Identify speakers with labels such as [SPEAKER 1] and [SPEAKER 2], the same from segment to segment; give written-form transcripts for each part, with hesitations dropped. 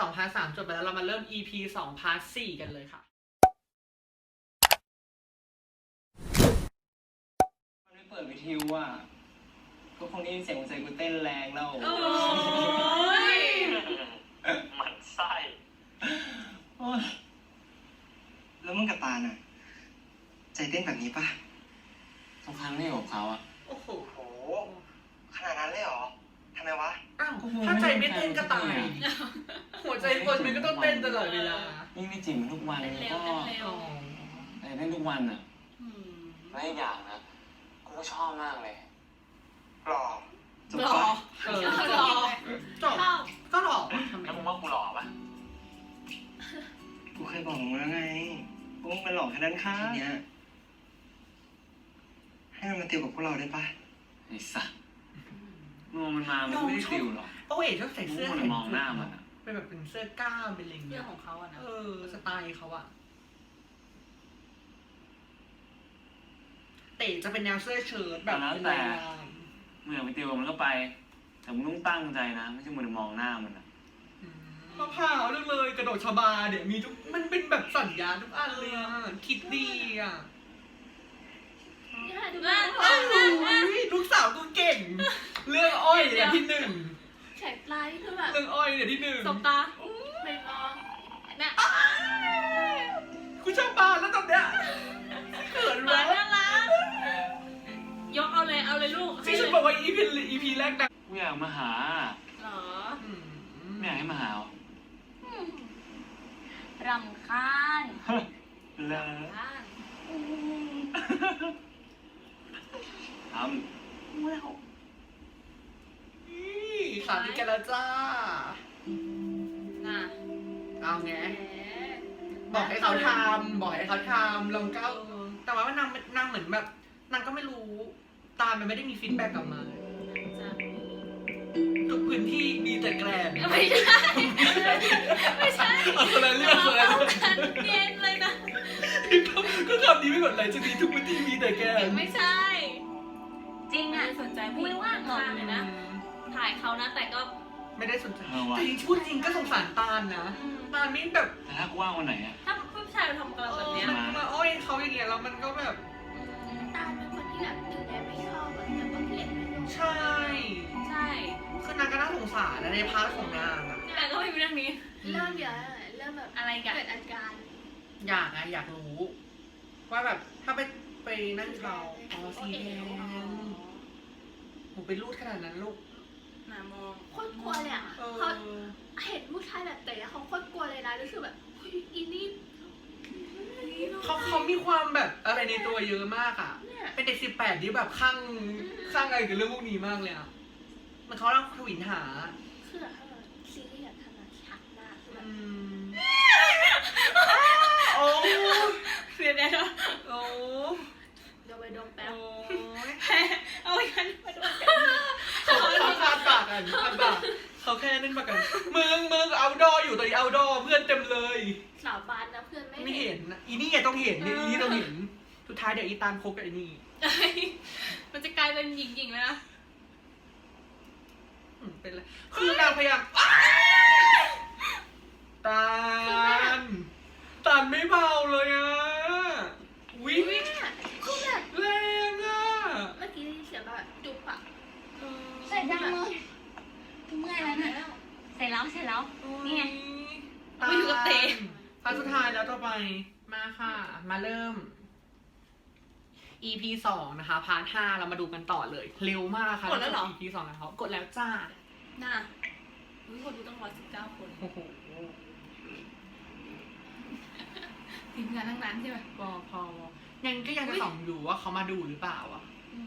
[SPEAKER 1] 2 พาร์ท 3จบไปแล้วเรามาเริ่ม EP 2 พาร์ท 4กันเลยค่ะ
[SPEAKER 2] มันไม่เปิดวิทยุอ่ะก็คงได้ยินเสียงหัวใจกูเต้นแรงแล้ว
[SPEAKER 1] โอ้ย
[SPEAKER 3] มันไส้
[SPEAKER 2] แล้วมึงกับตาน่ะใจเต้นแบบนี้ป่ะทุกครั้งที่อยู่กับเขาอ่ะ
[SPEAKER 1] โอ้โห
[SPEAKER 2] โหขนาดนั้นเลยเหรอทำไมวะ
[SPEAKER 1] อ้าวถ้าใจไม่เต้นก็ตาย หัวใจคนมันก็ต้องเต้นตลอดเวลา
[SPEAKER 2] ยิ่งไม่จีบมันทุกวันก็แต่เต้นทุกวันอ่ะและอีกอย่างนะกูก็ชอบมากเลยหล่อจุ๊บปะ
[SPEAKER 1] หล่อจบก็หล่อ
[SPEAKER 3] แล้วมึงว่ากูหล่อปะ
[SPEAKER 2] กูเคยบอกมึงแล้วไงว่ามึงมันหล่อแค่นั้นค่ะทีเนี้ยให้มันมาติวกับพวกเราได้ปะไอ้สัสมึงมันมามันไม่ได้ติวหรอก
[SPEAKER 1] โอ้ยชอบใส่เสื้อ
[SPEAKER 2] มองหน้ามันอ่ะ
[SPEAKER 1] เป็นแบบเป็นเสื้อกล้ามเป็นอะไรอย่าง
[SPEAKER 4] เรื่
[SPEAKER 1] เงี้
[SPEAKER 4] อย งของเขาอะนะ
[SPEAKER 1] สไตล์เขาอะเต๋จะเป็นแนวเสื้อเชิ้ตแบบ
[SPEAKER 2] แล้วแต่มึงอยากไปติวกับมันก็ไปแต่มึงต้องตั้งใจนะไม่ใช่มึงมองหน้ามันอ่ะ
[SPEAKER 1] มะพร้าวเรื่องเลยกระโดดชบาเนี่ยมีทุกมันเป็นแบบสัญญาทุกอันเลยอ่ะคิดดีอ่ะลูกสาวกูเก่งเรื่องอ้อยเนี่ยที่ 1
[SPEAKER 4] แขกปลายคือแบบ
[SPEAKER 1] เรื่องอ้อยเนี่ยที่ 1
[SPEAKER 4] สบตาไม่มองน่ะ
[SPEAKER 1] กูชอบบานแล้วตอนเนี้ยเขิน
[SPEAKER 4] น่าว
[SPEAKER 1] ะ
[SPEAKER 4] รักยกเอาเลยลูก
[SPEAKER 1] ที่ฉันบอกว่า EP แรกดัง
[SPEAKER 2] กูอยากมาหา
[SPEAKER 4] หรอ
[SPEAKER 2] ไม่อยากให้มาหาหรอ
[SPEAKER 4] รำคาญ
[SPEAKER 2] เลยทำ
[SPEAKER 1] สามีกันแล้วจ้า
[SPEAKER 4] น่ะ
[SPEAKER 1] เอาไงบอกให้เขาทำลองก้าวแต่ว่ามันนางเหมือนแบบนางก็ไม่รู้ตามันไม่ได้มีฟีดแบ็กกลับมาทุกพื้นที่มีแต่แกลน
[SPEAKER 4] ไม่ใช่
[SPEAKER 1] เอาคนละเรื่อง
[SPEAKER 4] เย็นเลยนะ
[SPEAKER 1] ก็คำนี้ไม่หมดเลยจะมีทุกพื้นที่มีแต่แกลน
[SPEAKER 4] ไม่ใช่ จริงอ่ะสนใจไม่ว่างมองเลยนะถ่ายเขานะแต่ก็
[SPEAKER 1] ไม่ได้สนใจแต่จริงพูดจริงก็สงสารตาลนะตาลนี่แบบ
[SPEAKER 2] แต่ถ้ากูว่างวันไหนอ่ะ
[SPEAKER 4] ถ้าผู้ชายมาทำกับเราแบบเนี้ย
[SPEAKER 1] มันมาอ้อยเขาอย่างเงี้ยแล้วมันก็แบบ
[SPEAKER 5] ตาลเป็นคนที่แบบดูแลไม่ชอบแบบแต่ว่าเกลียดไม่ลง
[SPEAKER 1] ใช่
[SPEAKER 4] ใช่
[SPEAKER 1] คือนางก็น่าสงสารนะในพาร์ทของนางอะ
[SPEAKER 4] แต่ก็ไม่มีเรื่องนี้
[SPEAKER 5] เริ่มเดี๋ยวเริ่มแบบ
[SPEAKER 4] อะไรกัน
[SPEAKER 5] เกิดอาการ
[SPEAKER 1] อยากรู้ว่าแบบถ้าไปนั่นเขาสีแดงผมไปรูดขนาดนั้นลูก
[SPEAKER 4] หนามอง
[SPEAKER 5] โคตรกลัวเลยอ่ะเขาเห็นผู้ชายแบบแต่เขาโคตรกลัวเลยนะรู้สึกแบบอีนี่
[SPEAKER 1] เขามีความแบบอะไรในตัวเยอะมากอ่ะ เป็นเด็ก18ที่แบบข้างอะไรกับเรื่องพวกนี้มากเลยอ่ะมันเขาเล่าทวินหา
[SPEAKER 5] คือแบบซีรีส์แบบทำมาชัดมากคือแบบ
[SPEAKER 1] โอ้
[SPEAKER 4] เสียดายเนาะ
[SPEAKER 1] โอ้
[SPEAKER 5] เดี๋ยวไปดมแป๊บ
[SPEAKER 4] เอาไว้กันมาด้วย
[SPEAKER 1] เขาคาดปากกันเขาแค่นั่นปากกันมึงเอาดออยู่ตอนนี้เอาดอเพื่อนเต็มเลย
[SPEAKER 5] สาวบานนะเพื่อนไม่
[SPEAKER 1] ไม่เห็นนะอีนี่ไงต้องเห็นเนี่ยอีนี่ต้องเห็นสุดท้ายเดี๋ยวอีตาลคบกับไอ้นี่
[SPEAKER 4] มันจะกลายเป็นหญิงๆเลยนะ
[SPEAKER 1] เป็นไรคือนางพยายามตาลไม่เบาเลยอ่ะวิ่ง
[SPEAKER 5] คือแบบ
[SPEAKER 1] แรงอ่ะ
[SPEAKER 5] เมื่อกี้ได้ยินเสียงแบบจุ๊บอ่ะ
[SPEAKER 6] เสร็จยังมึงเมื่อยแล้วนะเสร็จแล้วนี่ไง
[SPEAKER 4] ไม่อยู่กับเตะ
[SPEAKER 1] พาร์ทสุดท้ายแล้วต่อไปมาค่ะ มาเริ่ม EP 2นะคะพาร์ท5เรามาดูกันต่อเลยเร็วมากค่ะ
[SPEAKER 4] กดแล้วเหรอ
[SPEAKER 1] EP 2แล้วกดแล้วจ้า
[SPEAKER 4] น่ะคนดูต้อง119 คน
[SPEAKER 1] โอ้โห
[SPEAKER 4] ทีมงานทั้งนั้นใช่ไหม
[SPEAKER 1] พอยังก็ยังจะส่องอยู่ว่าเขามาดูหรือเปล่าอ่ะ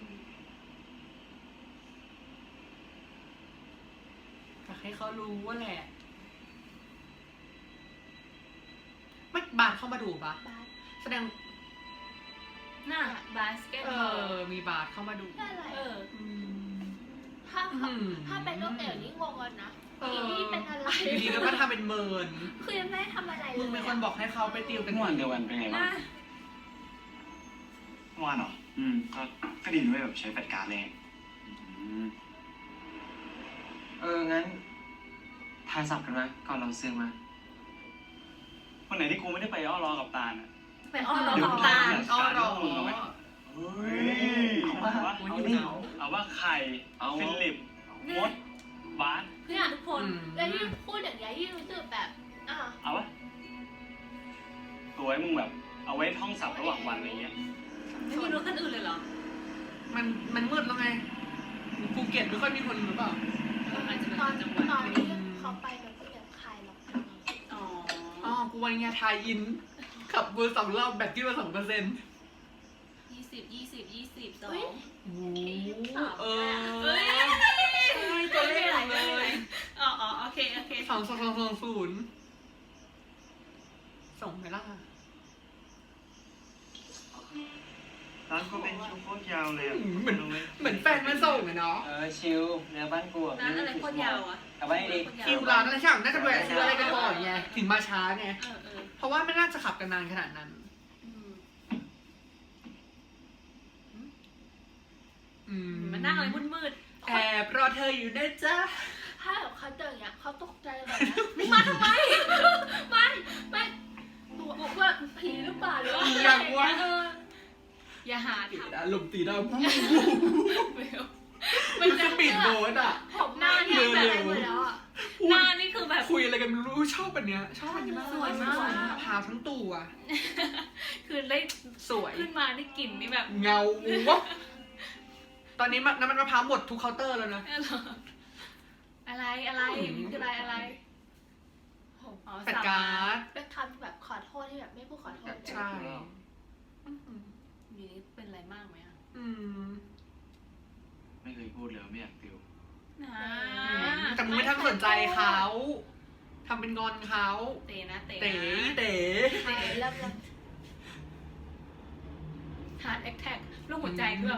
[SPEAKER 1] อยากให้เขารู้ว่าแหละไม่บาสเข้ามาดูปะ
[SPEAKER 5] บาส
[SPEAKER 1] แสดง
[SPEAKER 4] น่ะบาสเกตบอล
[SPEAKER 1] มีบาสเข้ามาดู
[SPEAKER 5] อะไร
[SPEAKER 4] อ
[SPEAKER 5] ถ้าเป็นโรคเอวนี่งงกันนะอีนี่เป็นอะไร
[SPEAKER 1] อยู่ดีก็ทำเป็นเมิน
[SPEAKER 5] คือยังไม่ได้ทำอะไรเลย
[SPEAKER 1] มึงเป็นคนบอกให้เขาไปติวกัน
[SPEAKER 2] เมื่อวันเดียวกันเป็นไงบ้าง
[SPEAKER 4] น่ะ
[SPEAKER 2] เมื่อวานเหรอก็ดีด้วยแบบใช้แฟลชการ์ดเลยงั้นทายสับกันไหมก่อนเราเสื่อมาวันไหนที่กูไม่ได้ไปอ้อรอกับตาลอ่ะ
[SPEAKER 4] ไปอ้อนรอกับตาล
[SPEAKER 1] อ้อรอ
[SPEAKER 2] เฮ้ยเอาว่าไข่ฟิลิปมดบาส
[SPEAKER 4] เนี่ยทุกคน
[SPEAKER 5] แล้วยิ่งพูดอย่างนี้ยยิ่งรู้สึกแบบอ่ะ
[SPEAKER 2] เอาวะตัวไว้มึงแบบ เอาไว้ท่องศัพท์ระหว่างวันอะไรเงี้ย
[SPEAKER 4] ไม่มีรถคันอื่นเลยเหรอ
[SPEAKER 1] มันมืดแล้วไงภูเก็ตไม่ค่อยมีคนหรือเปล่า
[SPEAKER 4] อาจจะเป็น
[SPEAKER 5] ตอน
[SPEAKER 4] จังหวัด
[SPEAKER 5] ตอนที่เขาไปแบบเสียงใครหรอก
[SPEAKER 4] อ๋อ
[SPEAKER 1] อ๋อกูวันนี้ทายอินขับเบอร์2 รอบแบตที่มา2%
[SPEAKER 4] 20 20 22
[SPEAKER 1] โอ้เออ
[SPEAKER 4] เฮ้ย
[SPEAKER 1] ใช่ตัวเลขหมดเลย
[SPEAKER 4] อ๋อโอเค
[SPEAKER 1] 2220ส่งไหมล่ะ
[SPEAKER 2] ร้านก็เป็นคิวโคตรยาวเลย
[SPEAKER 1] เหมือนแฟนมาส่งอะเนาะ
[SPEAKER 2] ชิวเนื้อบ้านกู
[SPEAKER 4] ร้านอะไรโคตรยาวอ่ะ
[SPEAKER 2] กลับบ้านดี
[SPEAKER 1] คิวร้านอะไรช่างน่าจะแวะซื้ออะไรกันก่อนไงถึงมาช้าไง
[SPEAKER 4] เออ
[SPEAKER 1] เพราะว่าไม่น่าจะขับกันนานขนาดนั้น
[SPEAKER 4] มันนั่งอะไรมืด
[SPEAKER 1] แอบรอเธออยู่นะจ๊ะ
[SPEAKER 5] ถ้าแบบเขาเจออย่างเงี้ยเขาตกใจแบบ
[SPEAKER 4] ๆมาทำไม
[SPEAKER 5] ไม่ตัวว่าผีหรือเปล่าหรือว่า
[SPEAKER 1] อย่างวะ
[SPEAKER 4] อย่าหา
[SPEAKER 1] ตี
[SPEAKER 4] ทำ
[SPEAKER 1] ดาลมตีดา
[SPEAKER 4] ไม่
[SPEAKER 1] มันจะปิดโบสอ่ะ
[SPEAKER 5] ผมหน้าเนี่ยแบบอะไรหมดแล้วอ่ะ
[SPEAKER 4] หน้านี่คือแบบ
[SPEAKER 1] คุยอะไรกันไม่รู้ชอบอันเนี้ยชอบอันนี้มาก
[SPEAKER 4] สวยมาก
[SPEAKER 1] พาวทั้งตัว
[SPEAKER 4] คือได้
[SPEAKER 1] สวย
[SPEAKER 4] ขึ้นมาได้กลิ่นนี่แบบ
[SPEAKER 1] เงาวะตอนนี้น้ำมันมะพร้าวหมดทุกเคาน์เตอร์แล้วนะ
[SPEAKER 4] อะไรคืออะไรอ๋อ
[SPEAKER 1] แปดการ์ด
[SPEAKER 5] เป็นคำแบบขอโทษที่แบบไม่พูดขอโทษ
[SPEAKER 1] ใช่
[SPEAKER 4] นี่เป็นอะไรมากไหมอ่ะ
[SPEAKER 2] ไม่เคยพูดเลยไม่อยากติว
[SPEAKER 1] แต่มึงไม่ทันสนใจเขาทำเป็นงอนเขา
[SPEAKER 4] เต๋นะ
[SPEAKER 1] เต๋
[SPEAKER 5] เริ่ม
[SPEAKER 4] ฮาร์ดแอคแท็กลูกหัวใจด้วย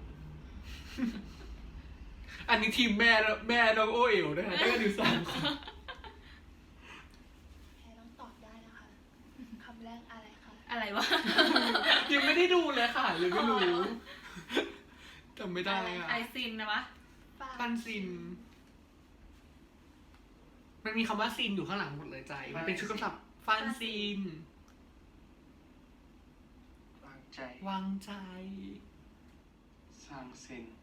[SPEAKER 1] อันนี้ทีมแม่น้องโอเอ๋วนะคะได้กันอยู่3 คน
[SPEAKER 5] แพ้ต้องตอบได้นะคะคำแรกอะไรคะ
[SPEAKER 4] อะไรวะ
[SPEAKER 1] ยังไม่ได้ดูเลยค่ะยังไม่รู้จำไม่ได้อะ
[SPEAKER 4] ไอซินนะวะ
[SPEAKER 1] ปันซิน มันมีคำว่าซินอยู่ข้างหลังหมดเลยใจ มันเป็นชุดคำศัพท์ฟันซิน
[SPEAKER 2] วางใจ
[SPEAKER 1] วางใจ
[SPEAKER 2] สร้างสิน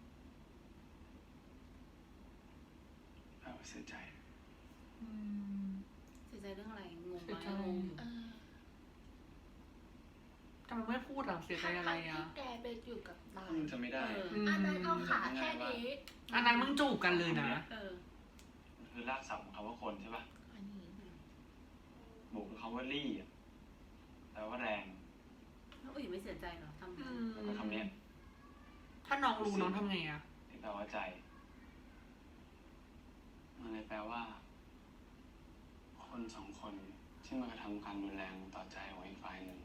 [SPEAKER 2] เสียใจ
[SPEAKER 4] เสียใจเรื่องอะไรงง
[SPEAKER 1] เสียใจ
[SPEAKER 4] งง
[SPEAKER 1] ทำไมไม่พูดอ่ะเสียใจอะไรอ่ะ
[SPEAKER 5] ที่แกไปอยู่กับตา
[SPEAKER 2] มันจะไม่ได้
[SPEAKER 5] อันนั้นเอาขาแค่นี้
[SPEAKER 1] อันนั้นมึงจูบกันเลยนะ
[SPEAKER 2] คือรากศัพท์ของคำว่าคนใช่ป่ะ
[SPEAKER 5] อันนี้
[SPEAKER 2] บวกกับคำว่ารี่อ่ะแปลว่าแรง
[SPEAKER 4] แล้วอุ้ยไม่เสียใจเหรอทำ
[SPEAKER 2] แล้วก็คำเนี้ย
[SPEAKER 1] ถ้าน้องรู้น้องทำไงอ่ะ
[SPEAKER 2] ที่แปลว่าใจมันเลยแปลว่า คน2 คนที่มากระทำการรุนแรงต่อใจของอีกฝ่ายหนึ่ง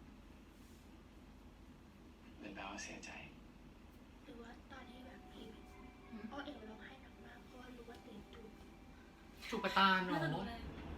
[SPEAKER 2] เลยแปลว่าเสียใจ
[SPEAKER 5] หรือว่าตอนนี้แบบผีอ้อเอ๋วร้องไห้หนักมากเพราะว่ารู้ว่าตื่นจูบ
[SPEAKER 1] จูบกระตาเนาะ
[SPEAKER 5] รู้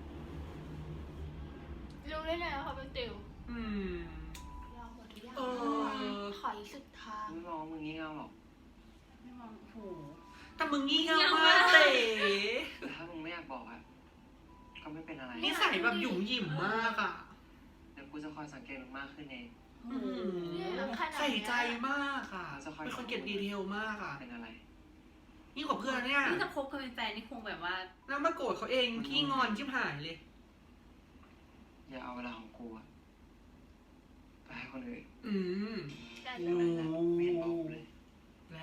[SPEAKER 5] ได้ไงว่าเขาเป็นติวรอหมดทุกอย่างขออีกสุดทาง
[SPEAKER 2] ไม่มองมึงงี้เง่าหรอก
[SPEAKER 4] ไม่มองโห
[SPEAKER 1] แต่มึงงี่เง่ามากเต๋
[SPEAKER 2] แต่ถ้ามึงไม่อยากบอกอ่ะก็ไม่เป็นอะไร
[SPEAKER 1] นิสัยแบบหยุ่มหยิ่มมากอ่ะ
[SPEAKER 2] เดี๋ยวกูจะคอยสังเกตมึงมากขึ้นเอง
[SPEAKER 1] ใส่ใจมากอ่ะเป็นคนเก็บดีเทลมากอ่ะ
[SPEAKER 2] เป็นอะไร
[SPEAKER 1] ยิ่งกว่าเพื่อนเนี่ย
[SPEAKER 4] นี่ถ้าคบกันเป็นแฟนนี่คงแบบว่า
[SPEAKER 1] แล้วมาโกรธเขาเองขี้งอนชิบหายเลย
[SPEAKER 2] อย่าเอาเวลาของกูอะไปให้คนอื่น
[SPEAKER 5] แต่
[SPEAKER 1] โอ้
[SPEAKER 2] ไม่เห็นบอกเลย
[SPEAKER 1] แรง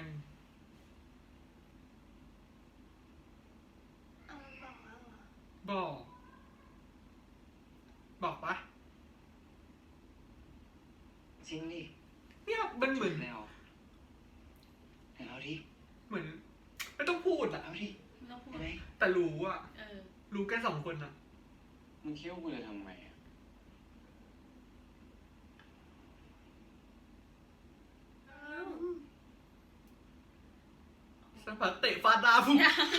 [SPEAKER 5] เอาบอกแล้วเหรอ
[SPEAKER 1] บอกปะ
[SPEAKER 2] จริงดิ
[SPEAKER 1] เนี่ยมันเหมือน
[SPEAKER 2] แล้วเห็นแล้วดิ
[SPEAKER 1] เหมือน ไม่ต้องพูดอ่ะ
[SPEAKER 2] เอาดิ
[SPEAKER 4] ต้องพูด
[SPEAKER 2] เห็นไหม
[SPEAKER 1] แต่รู้อ่ะ
[SPEAKER 4] เออ
[SPEAKER 1] รู้แค่2 คนอ่ะ
[SPEAKER 2] มึงคิดว่ากูจะทำไงอะ
[SPEAKER 1] สักพักเตะฟาดดาพุ่ง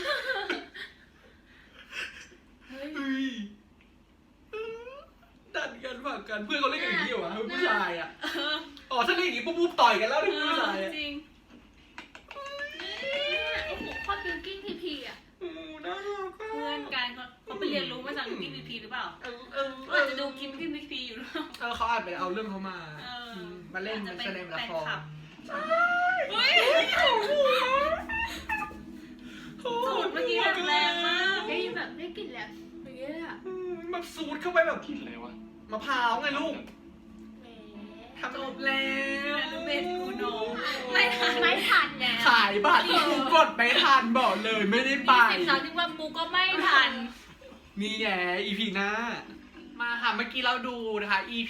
[SPEAKER 4] เฮ้ย
[SPEAKER 1] เฮ้ยดันกันฝากกันเพื่อนเขาเล่นกันอย่างนี้เหรอวะผู้ชายอ่ะอ๋อถ้าเล่นอย่างนี้ปุ๊บต่อยกันแล้วที่ผู้ชายอ่ะ
[SPEAKER 4] จริง
[SPEAKER 5] โอ้โหโคตรบิวกิ้งพีอ่ะ
[SPEAKER 1] โอ้น่ารักอ่ะ
[SPEAKER 4] เขาไปเรียนรู้มาจากกินพีพีหรือเปล่า
[SPEAKER 1] เออ
[SPEAKER 4] อาจจะดูกินพีพีอยู่หรือเปล่า
[SPEAKER 1] เขาอาจไปเอาเรื่องเขามา
[SPEAKER 4] เออ
[SPEAKER 1] มาเล่น
[SPEAKER 4] อาจจะ
[SPEAKER 1] มา
[SPEAKER 4] เป็น
[SPEAKER 1] แสดงละคร
[SPEAKER 4] แฟนคลับ
[SPEAKER 1] เฮ้ย
[SPEAKER 4] สูตรเมื่อกี้แบบแรงมาก
[SPEAKER 5] ได้ยินแบบได้กลิ่นแล้วอย่างเงี้ยอะ
[SPEAKER 1] แบบสูดเข้าไปแบบ
[SPEAKER 2] กินเลยวะ
[SPEAKER 5] ๆ
[SPEAKER 1] มะพร้าวไงลูก
[SPEAKER 5] แหม
[SPEAKER 1] ทำจบแล้ว
[SPEAKER 4] ลูกเบสกูโนไม่ทัน
[SPEAKER 5] ไม่ทันแล้ว
[SPEAKER 1] ขายบัตรกดไม่ทันบอกเลยไม่ได้ไป
[SPEAKER 4] 20-30 วันกูก็ไม่ทัน
[SPEAKER 1] นี่แย่ EP หน้า มาค่ะเมื่อกี้เราดูนะคะ EP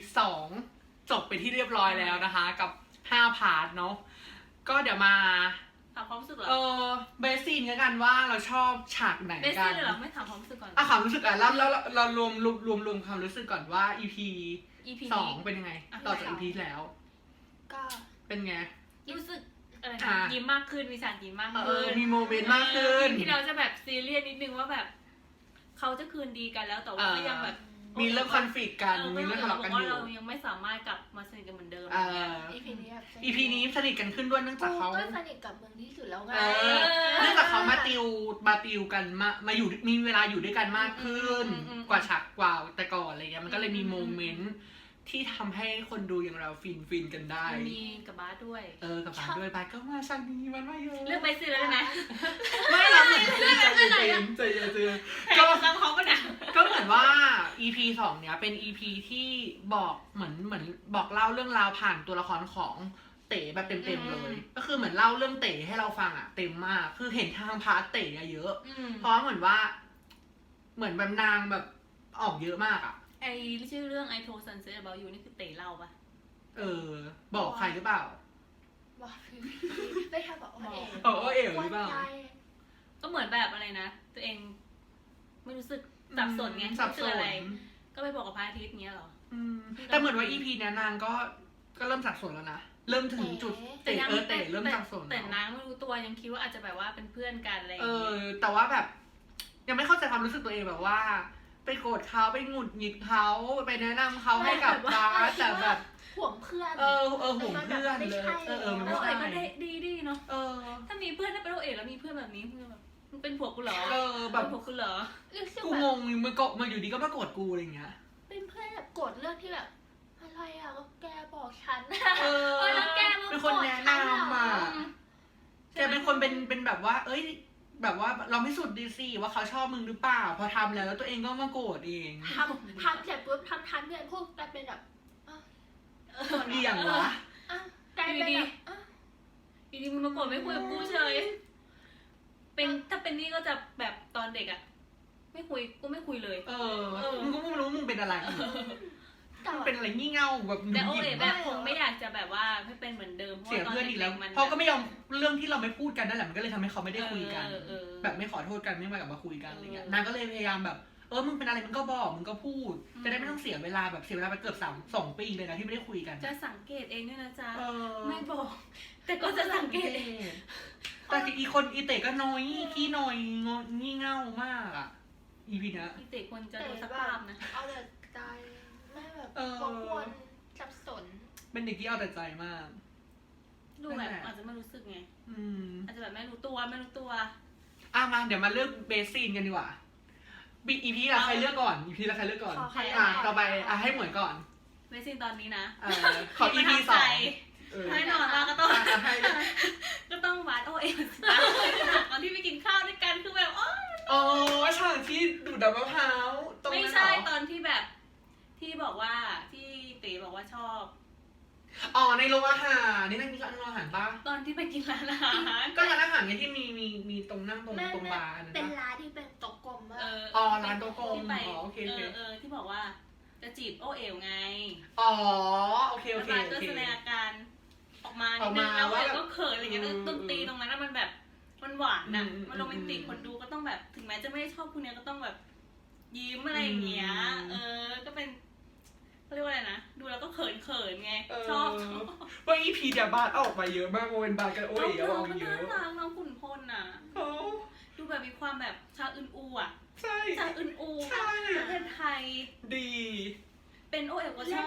[SPEAKER 1] 2 จบไปที่เรียบร้อยแล้วนะคะ กับ 5 พาร์ทเนาะก็เดี๋ยวมา
[SPEAKER 4] ถามความรู้สึกเหรอ
[SPEAKER 1] เบสซีนกันว่าเราชอบฉากไหน
[SPEAKER 4] เบส
[SPEAKER 1] กั
[SPEAKER 4] ซี่
[SPEAKER 1] น
[SPEAKER 4] เลยเหรอไม่ถามความรู้สึกก่อน
[SPEAKER 1] ความรู้สึกแล้วเรารวมความรู้สึกก่อนว่า EP
[SPEAKER 4] EP
[SPEAKER 1] สอ
[SPEAKER 4] นี้
[SPEAKER 1] งเป็นยังไง
[SPEAKER 4] อ่ะ
[SPEAKER 1] ต่อจาก EP แล้ว
[SPEAKER 5] ก็
[SPEAKER 1] เป็นไง
[SPEAKER 4] รู้สึกอะไร
[SPEAKER 1] อ่ะ
[SPEAKER 4] นะยิ้มมากขึ้นมีฉากยิ้มมาก
[SPEAKER 1] เอ
[SPEAKER 4] ขึ้
[SPEAKER 1] อน มีโมเมนต์มากขึ้น
[SPEAKER 4] ที่เราจะแบบซีเรียสนิดนึงว่าแบบเขาจะคืนดีกันแล้วแต่ว่าก็ยังแบบ
[SPEAKER 1] มีเรื่องคอนฟ lict กันมีเรื่องทะเลาะกัน
[SPEAKER 4] ว่า
[SPEAKER 1] อยู่
[SPEAKER 4] เรายังไม่สามารถกลับมาสนิทกันเหมือนเดิม
[SPEAKER 1] เออ
[SPEAKER 5] EP นี้แบบ
[SPEAKER 1] EP นี้สนิทกันขึ้นด้วยเนื่องจากเขา
[SPEAKER 5] ก็สนิทกับมึงที่สุดแล้วไง
[SPEAKER 1] เออเนื่องจากเขามาติวกันมาอยู่มีเวลาอยู่ด้วยกันมากขึ้น กว่าฉากกว่าแต่ก่อนอะไรเงี้ยมันก็เลยมีโมเมนต์ที่ทำให้คนดูอย่างเราฟินกันได้
[SPEAKER 4] มีกับบาสด้วย
[SPEAKER 1] กับบาสด้วยบาสก็มาฉากนี้มันมาเยอะ
[SPEAKER 4] เลือกไปซื้อแล้วนะ
[SPEAKER 1] ไม่เราเหมือนใจเย็น
[SPEAKER 4] ก็
[SPEAKER 1] ก็
[SPEAKER 4] ซ้ำเขาปะนะ
[SPEAKER 1] ก็เหมือนว่า EP 2เนี้ยเป็น EP ที่บอกเหมือนบอกเล่าเรื่องราวผ่านตัวละครของเต๋แบบเต็มๆเลย ก็คือเหมือนเล่าเรื่องเต๋ให้เราฟังอ่ะเต็มมากคือเห็นทางพาร์ทเต๋อะเยอะ เพราะเหมือนว่า เหมือนแบบนางแบบออกเยอะมากอ่ะ
[SPEAKER 4] ไอชื่อเรื่อง I Told Sunset About You นี่คือเต๋เล่าปะ
[SPEAKER 1] บอกใครหรือเปล่า
[SPEAKER 5] บอกไม่ทำบอกว่าเอ๋
[SPEAKER 1] บอกว่าเอ๋หรือเปล่า
[SPEAKER 4] ก็เหมือนแบบอะไรนะ ตัวเองไม่รู้สึกสับสนไง
[SPEAKER 1] สับ
[SPEAKER 4] รู้สึ
[SPEAKER 1] ส
[SPEAKER 4] ก
[SPEAKER 1] น
[SPEAKER 4] อะไร ก็ไปบอกกับพระอาทิตย์เงี้ยเหรอ
[SPEAKER 1] แต่เหมือนว่า EP เนี้ยนางก็เริ่มสับสนแล้วนะเริ่มถึงจุดเต๋เริ่มสับสน
[SPEAKER 4] แต่
[SPEAKER 1] แล้ว
[SPEAKER 4] นางไม่รู้ตัวยังคิดว่าอาจจะแบบว่าเป็นเพื่อนกันอะไรอย่างเงี้ย
[SPEAKER 1] แต่ว่าแบบ ยังไม่เข้าใจความรู้สึกตัวเองแบบว่า ไปโกรธเขาไปหงุดหงิดเขาไปแนะนำเขาให้กับบาสแต่แบบ
[SPEAKER 5] ห่วงเพื่อน
[SPEAKER 1] ห่วงเพื่อนเลยมัน
[SPEAKER 4] โอ
[SPEAKER 1] ไม่
[SPEAKER 4] เอ๋
[SPEAKER 1] ใช่
[SPEAKER 4] ก็ได้ดีเนาะ
[SPEAKER 1] เออ
[SPEAKER 4] ถ้ามีเพื่อนถ้าเป็นโอเอ๋แล้วมีเพื่อนแบบนี้มึงแบบมึงเป็นผัวกูเหรอ
[SPEAKER 1] แบบ
[SPEAKER 4] เป็นผัวกูเหรอ
[SPEAKER 5] รู้สึก
[SPEAKER 1] กู
[SPEAKER 5] แบ
[SPEAKER 1] ง
[SPEAKER 5] บ
[SPEAKER 1] งมาอยู่ดีก็มาโกรธกูอะไรอย่างเงี้ย
[SPEAKER 5] เป็นเพื่อนแบบโกรธเรื่องที่แบบอะไรอ่ะก็แกบอกฉัน
[SPEAKER 4] แล้วแกมา
[SPEAKER 1] เป็นคนแนะนำอ่ะแกเป็นคนเป็นแบบว่า เอ้ย แบบว่าเราไม่สุดดีสิว่าเขาชอบมึงหรือเปล่าพอทำแล้วตัวเองก็มาโกรธเอง
[SPEAKER 5] ทำเสร็จปุ๊บทำเพื่อนพูดกันเป็นแบบ
[SPEAKER 1] เรียงวะ
[SPEAKER 5] กลายเป็นแบบ
[SPEAKER 4] อยู่ดีมึงมาโกรธไม่คุยกับกูเฉยเป็นถ้าเป็นนี่ก็จะแบบตอนเด็กอะไม่คุยกูไม่คุยเลย
[SPEAKER 1] มึงก็ไม่รู้มึงเป็นอะไร
[SPEAKER 5] แต่
[SPEAKER 1] มึงเป็นอะไรงี่เง่าแบบหงุ
[SPEAKER 4] แต่
[SPEAKER 1] ด
[SPEAKER 4] โอ
[SPEAKER 1] หงิด
[SPEAKER 4] เอ๋แบบคงไม่อยากจะแบบว่าให้เป็นเหมือนเดิม
[SPEAKER 1] เสียเพื่อนอีกแล้ว
[SPEAKER 4] มัน
[SPEAKER 1] เพราะก็ไม่ยอมเรื่องที่เราไม่พูดกันนั่นแหละมันก็เลยทำให้เขาไม่ได้คุยกัน
[SPEAKER 4] เออ
[SPEAKER 1] แบบไม่ขอโทษกันไม่มากลับมาคุยกันอะไรเงี้ย
[SPEAKER 4] เออ
[SPEAKER 1] นางก็เลยพยายามแบบมึงเป็นอะไรมึงก็บอกมึงก็พูด จะได้ไม่ต้องเสียเวลาแบบเสียเวลาไปเกือบ2 ปีเลยนะที่ไม่ได้คุยกัน
[SPEAKER 4] จะสังเกตเองด้วยนะจ๊ะ
[SPEAKER 1] เออ
[SPEAKER 4] ไม่บอก แต่ก็จะสังเกตเอง
[SPEAKER 1] แต่อีเตะก็น้อยขี้น้อยงี่เง่ามากอ่ะอีพีนะ
[SPEAKER 4] อีเตะควรจะดูสักภาพนะ
[SPEAKER 5] เอาแต่ใจไม่แบบวนสับสน
[SPEAKER 1] เป็นเด็กที่เอาแต่ใจมาก
[SPEAKER 4] ดูแบบอาจจะไม่รู้สึกไง อาจจะแบบไม่รู้ตัว
[SPEAKER 1] มาเดี๋ยวมาเลือกเบสซีนกันดีกว่าอีพีละใครเลือกก่อนอีพีละใครเลือกก่อน
[SPEAKER 5] ขอใคร
[SPEAKER 1] ต่อไปให้เหมือนก่อน
[SPEAKER 4] ไม่สิ้นตอนนี้นะ
[SPEAKER 1] ขออีพี
[SPEAKER 4] ประทับ
[SPEAKER 1] 2
[SPEAKER 4] ใจให้นอนมาก็ต้อง
[SPEAKER 1] ให้
[SPEAKER 4] ก็ต้องวาดโอเอ๋ตอนที่ไปกินข้าวด้วยกันคือแบบ
[SPEAKER 1] ฉากที่ดูดน้ำมะพร้าวตรง
[SPEAKER 4] ไม่
[SPEAKER 1] นั้น
[SPEAKER 4] ใช่
[SPEAKER 1] เหรอ
[SPEAKER 4] ตอนที่แบบที่บอกว่าที่เต๋บอกว่าชอบ
[SPEAKER 1] ในโรงอาหารนี่นั่งกินร้านอาหารปะ
[SPEAKER 4] ตอนที่ไปกินร้านอาหาร
[SPEAKER 1] ก็ร้านอาหารไงที่มีตรงนั่งตรงบาร์นั่น
[SPEAKER 5] เป็น
[SPEAKER 1] ปะ
[SPEAKER 5] ร้านที่เป็นโต๊ะกลมมาก
[SPEAKER 1] ร้านโต๊ะกลม
[SPEAKER 4] ที่ไป
[SPEAKER 1] โอเค
[SPEAKER 4] ที่บอกว่าจะจีบโอเอ๋วไง
[SPEAKER 1] โอเค
[SPEAKER 4] แล้วบาสก็แสดงอาการออกมานิดนึงแล้วโอเอ๋วก็เขินอะไรอย่างเงี้ยดนตรีตรงนั้นมันแบบมันหวานนะมันโรแมนติกคนดูก็ต้องแบบถึงแม้จะไม่ได้ชอบคุณเนี้ยก็ต้องแบบยิ้มอะไรอย่างเงี้ยก็เป็นเขาเรียกว่าอะไรนะดูแล้วก็เขินไงชอบ
[SPEAKER 1] ว่าอีพีเดี๋ยวบาร์ออกมาเยอะมากโมเป็นบาร์กันโอ้ย
[SPEAKER 4] น้
[SPEAKER 1] อ
[SPEAKER 4] อ
[SPEAKER 1] อง ก
[SPEAKER 4] มัน
[SPEAKER 1] เย
[SPEAKER 4] น่า
[SPEAKER 1] อะ
[SPEAKER 4] รักน้องขุนพลน่ะดูแบบมีความแบบชาอึนอูอ่ะ
[SPEAKER 1] ใช่
[SPEAKER 4] ชาอึนอู
[SPEAKER 1] ใช่
[SPEAKER 4] ประเทศไทย
[SPEAKER 1] ดี
[SPEAKER 4] เป็นโอเอ๋วก็ชอบ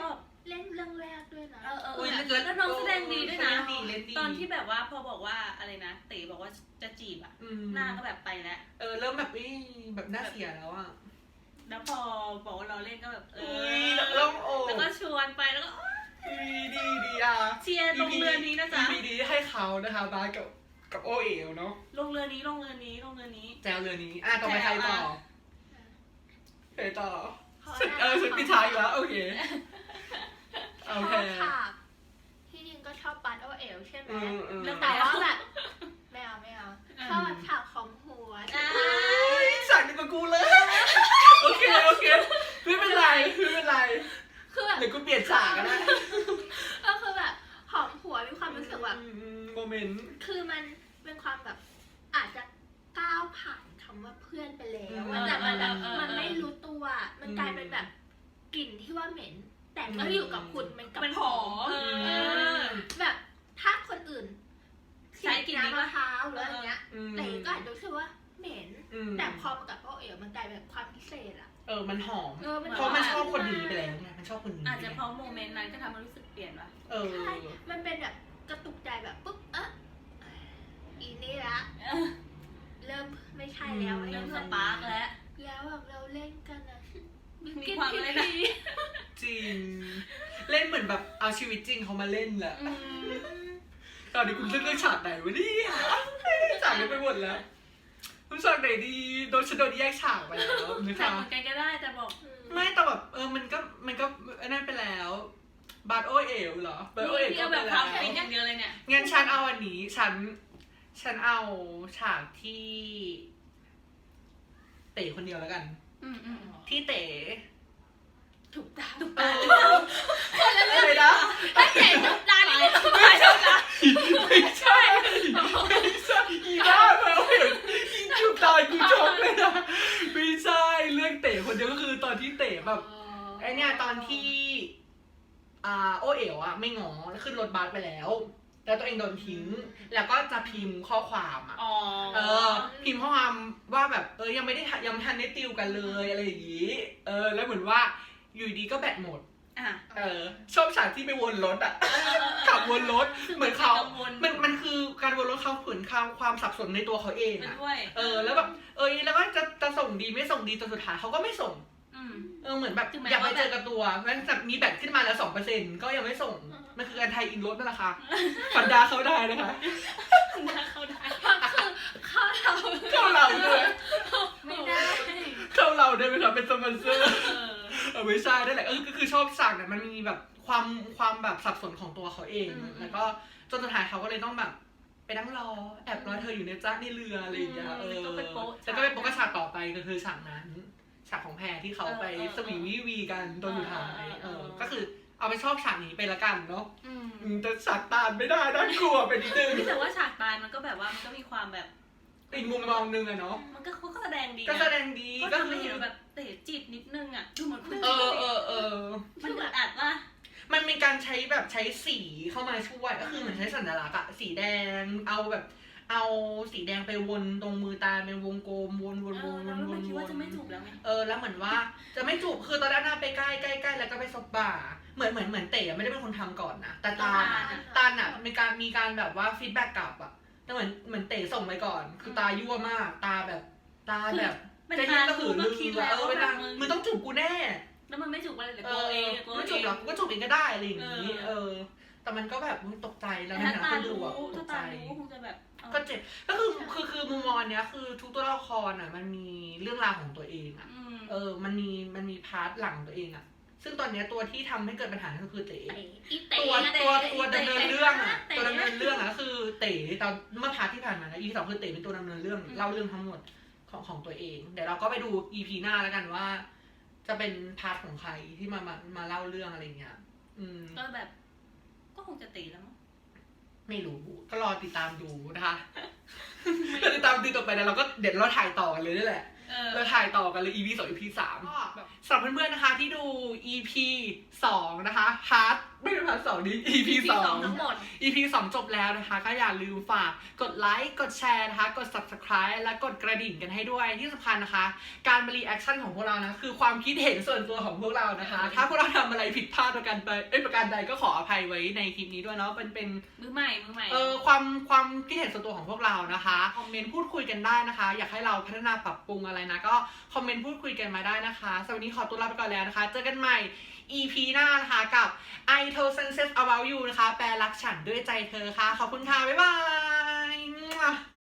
[SPEAKER 5] เล่นเรื่องแรกด้วยนะ
[SPEAKER 1] อุ๊ย
[SPEAKER 4] แล้วน้องแสดงดีด้วยนะ
[SPEAKER 1] เล่นดี
[SPEAKER 4] ตอนที่แบบว่าพอบอกว่าอะไรนะเต๋บอกว่าจะจีบอ่ะ หน้าก็แบบไปแล้ว
[SPEAKER 1] เริ่มแบบแบบน่าเสียแล้วอ่ะ
[SPEAKER 4] แล้วพอบอกว่าเราเล่นก็แบบ
[SPEAKER 1] แล้วโอ้
[SPEAKER 4] แล้วก็ชวนไปแล้วก็
[SPEAKER 1] ดีอ่ะ
[SPEAKER 4] เชียร์ลงเรือนี้นะจ๊ะ
[SPEAKER 1] EP นี้ให้เขานะคะบาสกับโอเอ๋วเนาะ
[SPEAKER 4] ลงเรือนี้
[SPEAKER 1] แจวเรือนี้ต่อไปใครต่อใครต่อ
[SPEAKER 5] ขอ
[SPEAKER 1] ฉันปิดท้ายอยู่แล้วโอเค
[SPEAKER 5] ชอบฉากที่จริงก็ชอบปาร์ตโอเอลใช่ไหม แต่ว่าแบบไม่เอาชอบฉากของหัว
[SPEAKER 1] ฉากเดียวกับกูเลยโอเคไม่เป็นไร
[SPEAKER 5] คือแบบ
[SPEAKER 1] เดี๋ยวกูเปลี่ยนฉากก็ได้
[SPEAKER 5] ก็คือแบบหอมหัวมีความรู้สึกแบบ
[SPEAKER 1] โมเมนต์
[SPEAKER 5] คือมันเป็นความแบบอาจจะก้าวผ่านคำว่าเพื่อนไปแล้วแต่มันแบบมันไม่รู้ตัวมันกลายเป็นแบบกลิ่นที่ว่าเหม็น แต่ก็อยู่กับคุณมันกับ
[SPEAKER 4] มัน
[SPEAKER 5] ห
[SPEAKER 4] ห
[SPEAKER 5] อ
[SPEAKER 4] อ
[SPEAKER 5] ม
[SPEAKER 4] ม
[SPEAKER 5] แบบถ้าคนอื่น
[SPEAKER 4] ใช้กลิ่นนี้
[SPEAKER 5] น้ำมะพร้าวหรืออะไรเงี้ย แต่ก็อาจจะรู้สึกว่าเหม็น แต่
[SPEAKER 1] แต่
[SPEAKER 5] พอมากับโอเอ๋วมันกลายเป็นความพิเศษอะ
[SPEAKER 1] มันหอม
[SPEAKER 5] มัน
[SPEAKER 1] เพราะมันชอบคนนี้ไปแล้วไงมันชอบคนนี้
[SPEAKER 4] อาจจะเพราะโมเมนต์นั้นก็ทำให้รู้สึกเปลี่ยนว่ะ
[SPEAKER 5] ใช่มันเป็นแบบกระตุกใจแบบปุ๊บอีนี่ละ เริ่มไม่ใช่แล้ว
[SPEAKER 4] เริ่มสปาร์กแล้ว
[SPEAKER 5] แล้วแบบเราเล่นกันอะ
[SPEAKER 4] มีความอะไรนะ
[SPEAKER 1] จริง เล่นเหมือนแบบเอาชีวิตจริงเขามาเล่นแหละตอนนี้คุณเลือกฉากไหนวะเนี่ยฉากนี้ไปหมดแล้วคุณฉากไหนดีโดนแยกฉากไปแล้วนะ
[SPEAKER 4] แต่
[SPEAKER 1] คะ
[SPEAKER 4] เหมือนกันก็ได้แต่บอก
[SPEAKER 1] ไม่แต่แบบมันก็นั่นไปแล้วบาร์โอเอ๋วเหรอบาร์โอเอ๋ว
[SPEAKER 4] ที่
[SPEAKER 1] ก็
[SPEAKER 4] เอา
[SPEAKER 1] ไป
[SPEAKER 4] แบบค
[SPEAKER 1] แล้ว
[SPEAKER 4] าวฟินอย่างเดียวเลยเนี่ย
[SPEAKER 1] งั้นฉันเอาอันนี้ฉันเอาฉากที่เต๋คนเดียวแล้วกัน ที่เต๋
[SPEAKER 5] ถูกตาม
[SPEAKER 1] อะไรนะ
[SPEAKER 5] ถ้าเห็นถูกตามนี่ไม่ถูกตาม
[SPEAKER 1] ไม่ใช่อีบ้าแล้วเห็นอีจุดตายกูช็อกเลยนะไม่ใช่เรื่องเต๋คนเดียวก็คือตอนที่เต๋แบบไอเนี่ยตอนที่โอเอ๋วอะไม่ง้อแล้วขึ้นรถบัสไปแล้วตัวเองโดนทิ้งแล้วก็จะพิมพ์ข้อความอะพิมพ์ข้อความว่าแบบยังไม่ทันได้ติวกันเลยอะไรอย่างงี้แล้วเหมือนว่าอยู่ดีก็แบตหมดชอบฉากที่ไปวนรถอ่ะขับวนรถเหมือนเขามันคือการวนรถเขาขืนความสับสนในตัวเขาเองอ่ะแล้วแบบแล้วก็จะส่งดีไม่ส่งดีจนสุดท้ายเขาก็ไม่ส่งเหมือนแบบอยากไปเจอกับตัวงั้นจะมีแบตขึ้นมาแล้ว 2% ก็ยังไม่ส่งมันคือการไทยอินรถนั่นแหละค่ะฟันดาเข้าได้นะคะ
[SPEAKER 4] เข้าได้
[SPEAKER 5] คือเข้าเรา
[SPEAKER 1] เข้าเราด้วย
[SPEAKER 5] ไม่ได้
[SPEAKER 1] เข้าเราได้ไหมครับเป็นสปอนเซอร์ไม่ใช่นั่นแหละก็คือชอบฉากเนี่ยมันมีแบบความแบบสับสนของตัวเขาเองแล้วก็จนสุดท้ายเขาก็เลยต้องแบบไปนั่งรอแอบรอเธออยู่ในจ้าในเรืออะไรอย่างเงี้ยแล้วก็ไปโป๊ะฉากต่อไปก็คือฉากนั้นฉากของแพรที่เขาไปสวีวีกันตอนสุดท้ายก็คือเอาไปชอบฉากนี้ไปละกันเนาะแต่ฉากตาลไม่ได้น่ากลัวไปนิดนึง
[SPEAKER 4] แต่ว่าฉากตายมันก็แบบว่ามันก็มีความแบบ
[SPEAKER 1] อีกมุมมองนึงอะเนาะ
[SPEAKER 4] มันก็เขาก็แสดงดี
[SPEAKER 1] ก็แสดงดี
[SPEAKER 4] ก็ทำให้เห็นแบบเตะจิตนิดนึงอะดูเหมือนคุณ
[SPEAKER 1] มัน
[SPEAKER 4] อึดอัดว่า
[SPEAKER 1] มันมีการใช้สีเข้ามาช่วยก็คือเหมือนใช้สัญลักษณ์อะสีแดงเอาสีแดงไปวนตรงมือตาเป็นวงกลมวน
[SPEAKER 4] แล้วมันคิดว่าจะไม่จูบแล้วไง
[SPEAKER 1] แล้วเหมือนว่าจะไม่จูบคือตอนแรกน่าไปใกล้แล้วก็ไปซบบ่าเหมือนเต๋ไม่ได้เป็นคนทำก่อนนะแต่ตาลอะมีการแบบว่าฟีดแบ็กกลับอะแต่เหมือนเต๋ส่งไปก่อนคือตายั่วมากตาแบบจะยิ่งก็หือลือไปทางมึงต้องจูบกูแน่
[SPEAKER 4] แล้วมันไม่จูบอะไรเลยตัวเอง
[SPEAKER 1] ไม่จูบหรอกกูก็จูบเองก็ได้อะไรอย่างนี้แต่มันก็แบบตกใจแล้วนะคนดูอะตกใจ
[SPEAKER 4] คงจะแบบ
[SPEAKER 1] ก็เจ็บก็คือมุมมองเนี้ยคือทุกตัวละครอ่ะมันมีเรื่องราวของตัวเองอ่ะมันมีพาร์ทหลังตัวเองอ่ะซึ่งตอนเนี้ยตัวที่ทำให้เกิดปัญหาก็คือเต๋ตัวดำเนินเรื่องอ่ะตัวดำเนินเรื่องอ่ะก็คือเต๋ตอนเมื่อพาร์ทที่ผ่านมานะ EP 2คือเต๋เป็นตัวดำเนินเรื่องเล่าเรื่องทั้งหมดของตัวเองเดี๋ยวเราก็ไปดู EP หน้าแล้วกันว่า จะเป็นพาร์ทของใครที่มาเล่าเรื่องอะไรเงี้ย
[SPEAKER 4] ก็แบบก็คงจะตีแล้วมั้ง
[SPEAKER 1] ไม่รู้ก็รอติดตามดูนะคะก็ติดตามดูต่อไปนะเราก็เดี๋ยวเราถ่ายต่อกันเลยนี่แหละเราถ่ายต่อกันเลย EP 2 EP 3สำหรับเพื่อนๆนะคะที่ดู EP 2นะคะพาร์ทไม่ใช่พาร์ท2นี้ EP 2
[SPEAKER 5] ทั้งหมด
[SPEAKER 1] EP 2 จบแล้วนะคะ ก็อย่าลืมฝากกดไลค์กดแชร์นะคะกด Subscribe และกดกระดิ่งกันให้ด้วยที่สำคัญนะคะ การมารีแอคชั่นของพวกเรานะคือความคิดเห็นส่วนตัวของพวกเรานะคะ ถ้าพวกเราทำอะไรผิดพลาดประการใดก็ขออภัยไว้ในคลิปนี้ด้วยเนาะเป็น
[SPEAKER 4] มือใหม่
[SPEAKER 1] ความคิดเห็นส่วนตัวของพวกเรานะคะคอมเมนต์พูดคุยกันได้นะคะ อยากให้เราพัฒนาปรับปรุงอะไรนะก็คอมเมนต์พูดคุยกันมาได้นะคะสำหรับวันนี้ขอตัวลาไปก่อนแล้วนะคะเจอกันใหม่ EP หน้านะคะกับ I Told Sunset About You นะคะแปลรักฉันด้วยใจเธอค่ะขอบคุณค่ะบ๊ายบาย